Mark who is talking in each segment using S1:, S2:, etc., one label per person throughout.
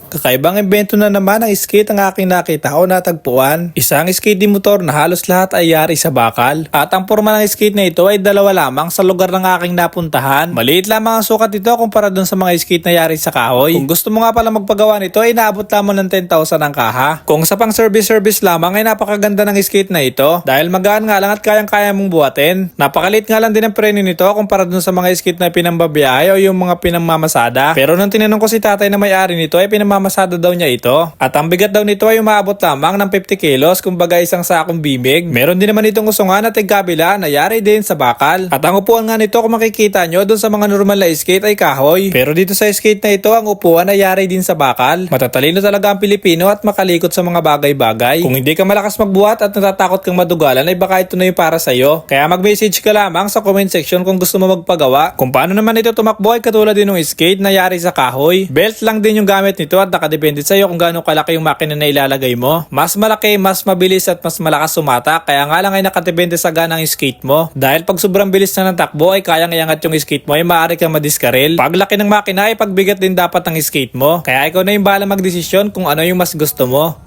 S1: Kakaibang imbento na naman ng skate ang aking nakita o natagpuan. Isang skate di motor na halos lahat ay yari sa bakal. At ang porma ng skate na ito ay dalawa lamang sa lugar ng aking napuntahan. Maliit lamang ang sukat nito kumpara dun sa mga skate na yari sa kahoy. Kung gusto mo nga pala magpagawa nito ay naabot lamang ng 10,000 ang kaha. Kung sa pang service lamang ay napakaganda ng skate na ito. Dahil magaan nga lang at kayang-kaya mong buhatin. Napakaliit nga lang din ang preno nito kumpara dun sa mga skate na pinambabiyahe o yung mga pinamamasada. Pero nung tinanong ko si tatay na may-ari nito ay pinamamasada daw niya ito. At ang bigat daw nito ay umaabot lamang ng 50 kilos, kumbaga isang sakong bimig. Meron din naman itong usungan at tigkabila na yari din sa bakal. At ang upuan nga nito kung makikita nyo dun sa mga normal na skate ay kahoy. Pero dito sa skate na ito ang upuan ay yari din sa bakal. Matatalino talaga ang Pilipino at makalikot sa mga bagay-bagay. Kung hindi ka malakas magbuhat at natatakot kang madugalan ay baka ito na yung para sa'yo. Kaya mag-message ka lamang sa comment section kung gusto mo magpagawa. Kung paano naman ito tumakbo ay katulad din ng skate na yari sa kahoy. Belt lang din yung gamit nito at nakadepende sa'yo kung gaano kalaki yung makina na ilalagay mo. Mas malaki, mas mabilis at mas malakas sumatak. Kaya nga lang ay nakadepende sa ganang skate mo. Dahil pag sobrang bilis na ng takbo ay kayang iangat yung skate mo ay maaari kang madiskarel. Pag laki ng makina ay pagbigat din dapat ng skate mo. Kaya ikaw na yung bahala magdesisyon kung ano yung mas gusto mo.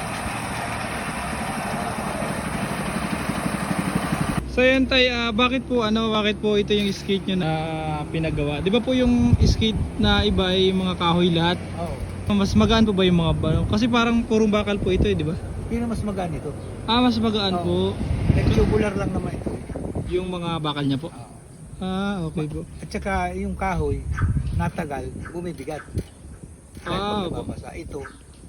S2: So yan tay, bakit po ito yung skate nyo na pinagawa? Di ba po yung skate na iba ay mga kahoy lahat?
S3: Oo.
S2: Mas magaan po ba yung mga kasi parang purong bakal po ito di ba?
S3: Hindi na mas magaan ito.
S2: Mas magaan po
S3: Nag-tubular lang naman ito.
S2: yung mga bakal niya po. Okay po.
S3: At saka yung kahoy, natagal, bumibigat.
S2: Ah, opo.
S3: Nababasa. Ito,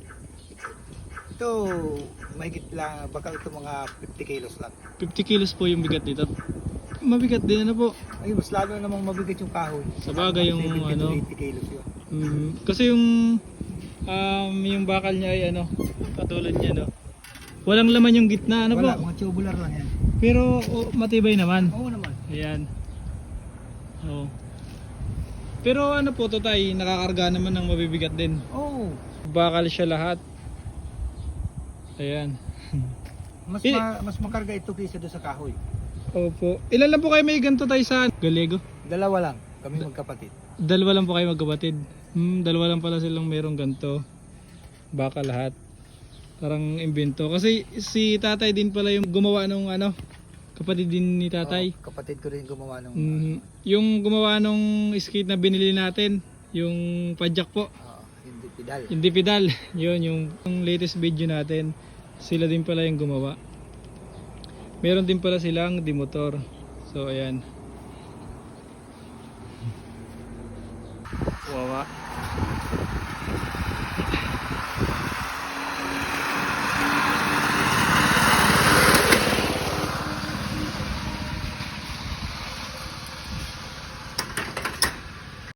S3: mahigit lang, baka ito mga 50 kilos lang.
S2: 50 kilos po yung bigat nito. Mabigat din ano po.
S3: Ay, mas lalo namang mabigat yung kahoy.
S2: Sa bagay yung
S3: 70 to
S2: ano.
S3: 80 kilos yun.
S2: Kasi yung bakal niya ay katulad niya no. Walang laman yung gitna ano
S3: Wala,
S2: po.
S3: mga tubular lang yan.
S2: Pero matibay naman.
S3: Oo naman.
S2: Ayan. Oh. Pero ano po to tay, nakakarga naman ng mabibigat din.
S3: Oo.
S2: Bakal siya lahat. Ayan.
S3: Mas makarga ito kaysa doon sa kahoy.
S2: Opo. Ilan lang po kayo may ganito tayo sa Galego?
S3: Dalawa lang, kami magkapatid.
S2: Dalawa lang po kayo magkapatid. Dalawa lang pala silang mayroong ganito. Baka lahat. Parang imbento. Kasi si tatay din pala yung gumawa nung kapatid din ni tatay.
S3: Kapatid ko rin gumawa nung
S2: Yung gumawa nung skate na binili natin, yung padjak po.
S3: hindi pedal.
S2: Hindi pedal. Yun yung latest video natin. Sila din pala yung gumawa. Meron din pala silang di motor. So ayan. Wawa.